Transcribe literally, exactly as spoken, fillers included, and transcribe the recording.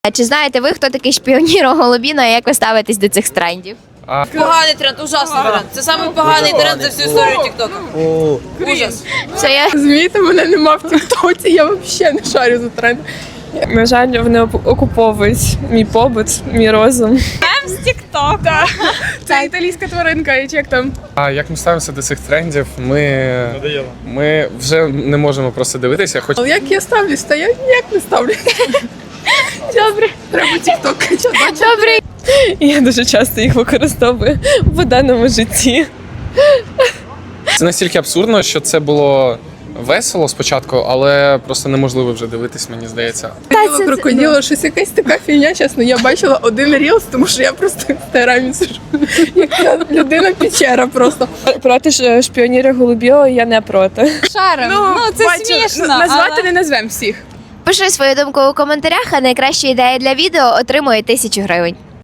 А чи знаєте ви, хто такий шпіоніро Голубіно і як ви ставитесь до цих трендів? А... Поганий тренд, ужасний тренд. Це самий поганий тренд за всю історію Тіктока. Ужас. Все, я... Розумієте, мене нема в Тіктоці, я взагалі не шарю за тренд. На жаль, вони окуповують мій побут, мій розум. З Тіктока. Це італійська тваринка, і як там? а як ми ставимося до цих трендів? Ми... ми вже не можемо просто дивитися. Хоч... Але як я ставлюсь, та я ніяк не ставлю. Добре. Треба тікток качати. Добре. Я дуже часто їх використовую в буденному житті. Це настільки абсурдно, що це було весело спочатку, але просто неможливо вже дивитись, мені здається. Крокодило, крокодило, щось якась така фігня, чесно. Я бачила один рілс, тому що я просто в інстаграмі сижу. Як ця людина-печера просто. Проти ж шпіоніра Голубіо я не проти. Шарим. Ну, це бачу, смішно. Назвати але... не назвемо всіх. Пиши свою думку у коментарях, а найкраща ідея для відео отримує тисячу гривень.